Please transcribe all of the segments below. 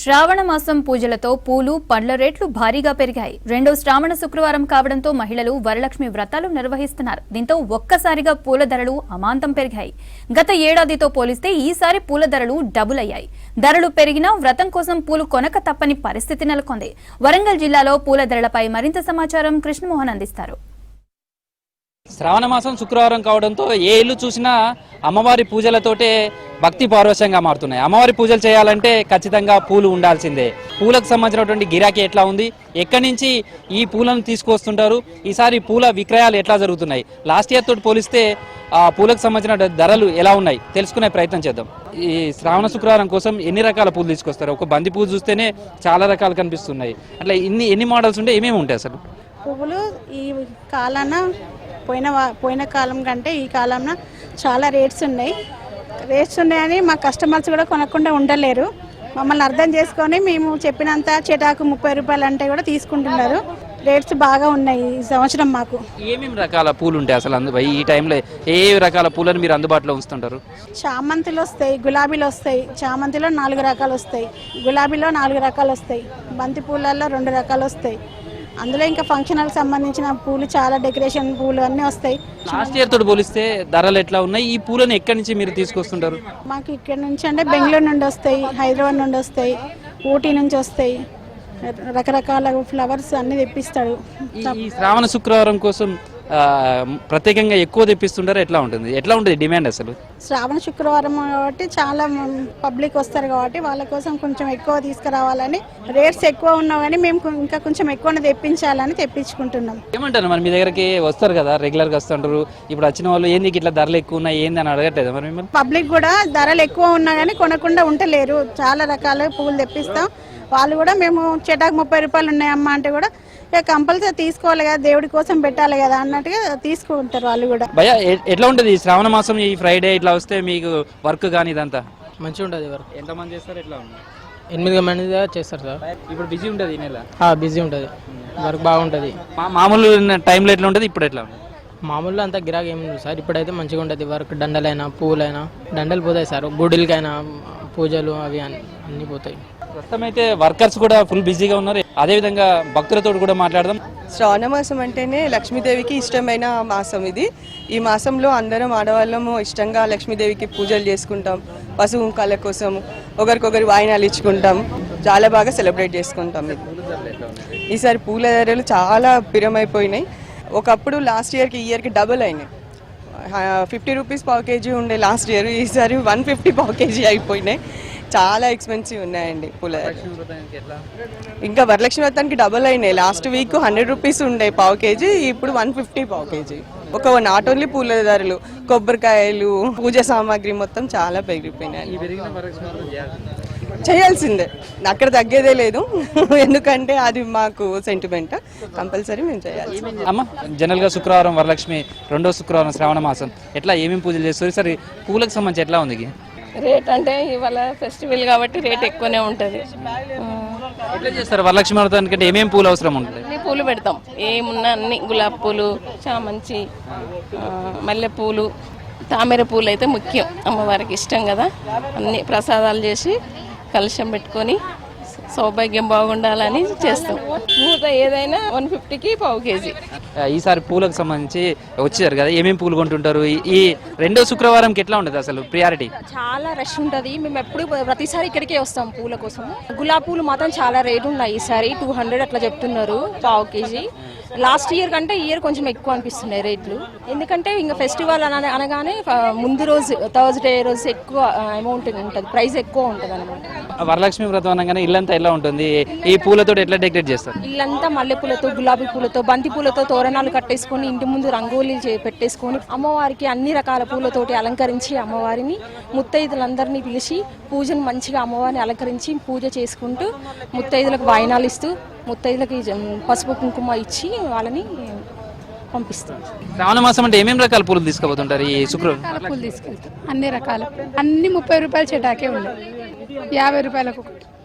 శ్రావణ మాసం పూజలతో పూలు పండ్ల రేట్లు భారీగా పెరిగాయి. రెండో శ్రావణ శుక్రవారం కావడంతో మహిళలు వరలక్ష్మి వ్రతాలు నిర్వహిస్తున్నారు. దీంతో ఒక్కసారిగా పూల ధరలు అమాంతం పెరిగాయి. గత ఏడాదితో పోలిస్తే ఈసారి పూల ధరలు డబుల్ అయ్యాయి. ధరలు పెరిగినా వ్రతం కోసం పూలు కొనక తప్పని పరిస్థితి నెలకొంది. వరంగల్ జిల్లాలో పూల ధరలపై మరింత సమాచారం కృష్ణమోహన్ అందిస్తారు. శ్రావణ మాసం శుక్రవారం కావడంతో ఏ ఇల్లు చూసినా అమ్మవారి పూజలతోటే భక్తి పారవశ్యంగా మారుతున్నాయి. అమ్మవారి పూజలు చేయాలంటే ఖచ్చితంగా పూలు ఉండాల్సిందే. పూలకు సంబంధించినటువంటి గిరాకీ ఎట్లా ఉంది, ఎక్కడి నుంచి ఈ పూలను తీసుకొస్తుంటారు, ఈసారి పూల విక్రయాలు ఎట్లా జరుగుతున్నాయి, లాస్ట్ ఇయర్ తోటి పోలిస్తే ఆ పూలకు సంబంధించిన ధరలు ఎలా ఉన్నాయి తెలుసుకునే ప్రయత్నం చేద్దాం. ఈ శ్రావణ శుక్రవారం కోసం ఎన్ని రకాల పూలు తీసుకొస్తారు? ఒక బంతి పూలు చూస్తేనే చాలా రకాలు కనిపిస్తున్నాయి. అట్లా ఎన్ని మోడల్స్ ఉంటే ఏమేమి ఉంటాయి అసలు? పువ్వులు ఈ కాలాన పోయిన కాలం కంటే ఈ కాలంలో చాలా రేట్స్ ఉన్నాయని మా కస్టమర్స్ కూడా కొనకుండా ఉండలేరు. మమ్మల్ని అర్థం చేసుకొని మేము చెప్పినంత చెటాకు 30 రూపాయలు అంటే కూడా తీసుకుంటున్నారు. రేట్స్ బాగా ఉన్నాయి ఈ సంవత్సరం. మాకు ఏమేమి రకాల పూలు ఉంటాయి అసలు ఈ టైంలో? ఏ రకాల పూలను మీరు అందుబాటులో ఉంచుతుంటారు? చామంతులు వస్తాయి, గులాబీలు వస్తాయి. చామంతిలో 4 రకాలు వస్తాయి, గులాబీలో 4 రకాలు వస్తాయి, బంతి పూలల్లో 2 రకాలు వస్తాయి. అందులో ఇంకా ఫంక్షన్లకు సంబంధించిన పూలు, చాలా డెకరేషన్ పూలు అన్నీ వస్తాయి. లాస్ట్ ఇయర్ తోటి పోలిస్తే ధరలు ఎట్లా ఉన్నాయి? ఈ పూలను ఎక్కడి నుంచి మీరు తీసుకొస్తుంటారు? మాకు ఇక్కడ నుంచి అంటే బెంగళూరు నుండి వస్తాయి, హైదరాబాద్ నుండి వస్తాయి, ఊటీ నుంచి వస్తాయి. రకరకాల ఫ్లవర్స్ అన్ని తెప్పిస్తాడు. ఈ శ్రావణ శుక్రవారం కోసం ప్రత్యేకంగా ఎక్కువ తెప్పిస్తుంటారు. ఎట్లా ఉంటుంది డిమాండ్ అసలు? శ్రావణ శుక్రవారం కాబట్టి చాలా పబ్లిక్ వస్తారు కాబట్టి వాళ్ళ కోసం కొంచెం ఎక్కువ తీసుకురావాలని, రేట్స్ ఎక్కువ ఉన్నా కానీ మేము ఇంకా కొంచెం ఎక్కువ తెప్పించాలని తెప్పించుకుంటున్నాం. ఏమంటారు మరి? మీ దగ్గరికి వస్తారు కదా, రెగ్యులర్గా వస్తుంటారు. ఇప్పుడు వచ్చిన వాళ్ళు ఏంది ఇట్లా ధరలు ఎక్కువ ఉన్నాయి ఏంది అని అడగట్లేదు మరి మిమ్మల్ని? పబ్లిక్ కూడా ధరలు ఎక్కువ ఉన్నా కానీ కొనకుండా ఉండలేరు. చాలా రకాల పువ్వులు తెప్పిస్తాం. వాళ్ళు కూడా మేము చెటాకు 30 రూపాయలు ఉన్నాయమ్మా అంటే కూడా కంపల్సరీ తీసుకోవాలి కదా, దేవుడి కోసం పెట్టాలి కదా అన్నట్టుగా తీసుకుంటారు వాళ్ళు కూడా. భయ్యా ఎట్లా ఉంటుంది శ్రావణ మాసం ఈ ఫ్రైడే ఇట్లా వస్తే మీకు వర్క్ కానీ ఇదంతా మంచిగా ఉంటుంది? వర్క్ ఎంతమంది చేస్తారు? ఎట్లా ఉంది? 8 మంది చేస్తారు సార్. ఇప్పుడు బిజీ ఉంటుంది ఈ నెల? బిజీ ఉంటుంది, వర్క్ బాగుంటుంది. మామూలు టైంలో ఎట్లా ఉంటుంది, ఇప్పుడు ఎట్లా ఉంది? మామూలుగా అంతా గిరాకీ ఏమి సార్. ఇప్పుడైతే మంచిగా ఉంటుంది వర్క్. దండలైనా పువ్వులైనా దండలు పోతాయి సార్. గుడిలకైనా పూజలు అవి అన్నీ పోతాయి. ప్రస్తుతం అయితే వర్కర్స్ కూడా ఫుల్ బిజీగా ఉన్నారు. అదేవిధంగా భక్తులతో కూడా మాట్లాడదాం. శ్రావణ మాసం అంటేనే లక్ష్మీదేవికి ఇష్టమైన మాసం ఇది. ఈ మాసంలో అందరం ఆడవాళ్ళము ఇష్టంగా లక్ష్మీదేవికి పూజలు చేసుకుంటాం. పసుపు కుంకాల కోసం ఒకరికొకరు వాయినాలు ఇచ్చుకుంటాం. చాలా బాగా సెలబ్రేట్ చేసుకుంటాం. ఈసారి పూల ధరలు చాలా పిరమైపోయినాయి. ఒకప్పుడు లాస్ట్ ఇయర్కి ఈ ఇయర్కి డబుల్ అయినాయి. 50 రూపీస్ పావు కేజీ ఉండే లాస్ట్ ఇయర్, ఈసారి 150 పావు కేజీ అయిపోయినాయి. చాలా ఎక్స్పెన్సివ్ ఉన్నాయండి పూల. ఇంకా వరలక్ష్మి వ్రతానికి డబుల్ అయినాయి. లాస్ట్ వీక్ 100 రూపీస్ ఉండే పావు కేజీ, ఇప్పుడు 150 పావు కేజీ. నాట్ ఓన్లీ పూల ధరలు, కొబ్బరికాయలు, పూజ సామాగ్రి మొత్తం చాలా పెరిగిపోయినాయి. చేయాల్సిందే, అక్కడ తగ్గేదే లేదు. ఎందుకంటే అది మాకు సెంటిమెంట్, కంపల్సరీ మేము చేయాలి. అమ్మ, జనరల్ గా శుక్రవారం వరలక్ష్మి, రెండో శుక్రవారం శ్రావణ మాసం, ఎట్లా ఏమేమి పూజలు చేస్తారు? సరే పూలకు సంబంధించి ఎట్లా ఉంది రేట్? అంటే ఇవాళ ఫెస్టివల్ కాబట్టి రేట్ ఎక్కువనే ఉంటుంది. ఎట్లా చేస్తారు వరలక్ష్మి వ్రతానికి? అంటే ఏమేమి పూలు అవసరం ఉంటుంది? అన్ని పూలు పెడతాం, ఏమున్నా అన్ని. గులాబీ పూలు, చామంతి, మల్లెపూలు, తామర పూలు అయితే ముఖ్యం. అమ్మవారికి ఇష్టం కదా. అన్ని ప్రసాదాలు చేసి కలశం పెట్టుకొని సౌభాగ్యం బాగుండాలని చేస్తాం. పూత ఏదైనా 150కి పావు కేజీ. ఈసారి పూలకు సంబంధించి వచ్చారు కదా, ఏమేమి పూలు కొంటుంటారు? ఈ రెండో శుక్రవారంకి ఎట్లా ఉంటుంది అసలు ప్రియారిటీ? చాలా రష్ ఉంటుంది. మేము ఎప్పుడు ప్రతిసారి ఇక్కడికే వస్తాం పూల కోసం. గులాబీ పూలు మాత్రం చాలా రేటు ఉన్నాయి. ఈసారి 200 అట్లా చెప్తున్నారు పావు కేజీ. లాస్ట్ ఇయర్ కంటే ఈ ఇయర్ కొంచెం ఎక్కువ అనిపిస్తున్నాయి రేట్లు. ఎందుకంటే ఇంకా ఫెస్టివల్ అనగానే ముందు రోజు థర్స్డే రోజు ఎక్కువ అమౌంట్ ఉంటుంది, ప్రైస్ ఎక్కువ ఉంటుంది అనమాట. వరలక్ష్మి వ్రతం అనగానే ఇల్లంతా ఎలా ఉంటుంది? ఈ పూలతో ఎట్లా డెకరేట్ చేస్తారు? ఇల్లంతా మల్లె పూలతో, గులాబీ పూలతో, బంతి పూలతో తోరణాలు కట్టేసుకొని ఇంటి ముందు రంగోలీలు పెట్టేసుకొని అమ్మవారికి అన్ని రకాల పూలతోటి అలంకరించి అమ్మవారిని ముత్తైదులందరినీ పిలిచి పూజను మంచిగా అమ్మవారిని అలంకరించి పూజ చేసుకుంటూ ముత్తైదులకు వాయినాలు ఇస్తూ ముత్తైదులకి పసుపు కుంకుమ ఇచ్చి వాళ్ళని పంపిస్తాం. శ్రావణ మాసం అంటే ఏమేమి రకాల పూలు తీసుకుపోతుంటారు? ఈ శుక్రవారం పూలు తీసుకెళ్తాం. అన్ని రకాల, అన్ని 30 రూపాయలు చెటాకే ఉన్నాయి, 50 రూపాయలకు.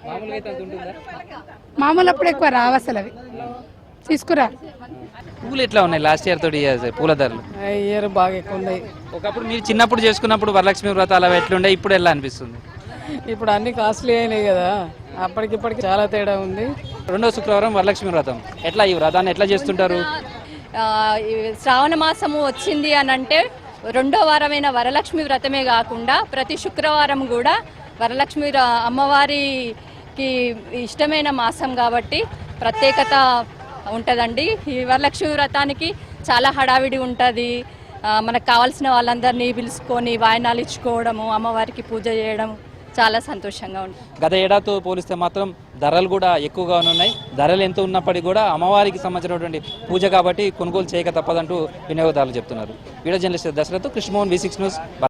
మామూలు అప్పుడు ఎక్కువ రావు అసలు, అవి తీసుకురా. పూలు ఎట్లా ఉన్నాయి లాస్ట్ ఇయర్ తోటి పూల ధరలు? ఇయర్ బాగా ఎక్కువ ఉన్నాయి. ఒకప్పుడు మీరు చిన్నప్పుడు చేసుకున్నప్పుడు వరలక్ష్మి వ్రతాలు అవి ఎట్లుండే, ఇప్పుడు ఎలా అనిపిస్తుంది? ఇప్పుడు అన్ని కాస్ట్లీ అయినాయి కదా, అప్పటికిప్పటికి చాలా తేడా ఉంది. రెండో శుక్రవారం వరలక్ష్మి వ్రతం, ఎట్లా ఈ వ్రతాన్ని ఎట్లా చేస్తుంటారు? ఈ శ్రావణ మాసము వచ్చింది అని అంటే రెండో వారమైన వరలక్ష్మి వ్రతమే కాకుండా ప్రతి శుక్రవారం కూడా వరలక్ష్మి అమ్మవారికి ఇష్టమైన మాసం కాబట్టి ప్రత్యేకత ఉంటుందండి. ఈ వరలక్ష్మి వ్రతానికి చాలా హడావిడి ఉంటుంది. మనకు కావాల్సిన వాళ్ళందరినీ పిలుచుకొని వాయినాలు ఇచ్చుకోవడము, అమ్మవారికి పూజ చేయడం చాలా సంతోషంగా ఉంటుంది. గత ఏడాదితో పోలిస్తే మాత్రం ధరలు కూడా ఎక్కువగా ఉన్నాయి. ధరలు ఎంత ఉన్నప్పటికీ కూడా అమ్మవారికి సంబంధించినటువంటి పూజ కాబట్టి కొనుగోలు చేయక తప్పదంటూ వినియోగదారులు చెప్తున్నారు. Video journalist Dasarath, Krishnamohan, V6 news.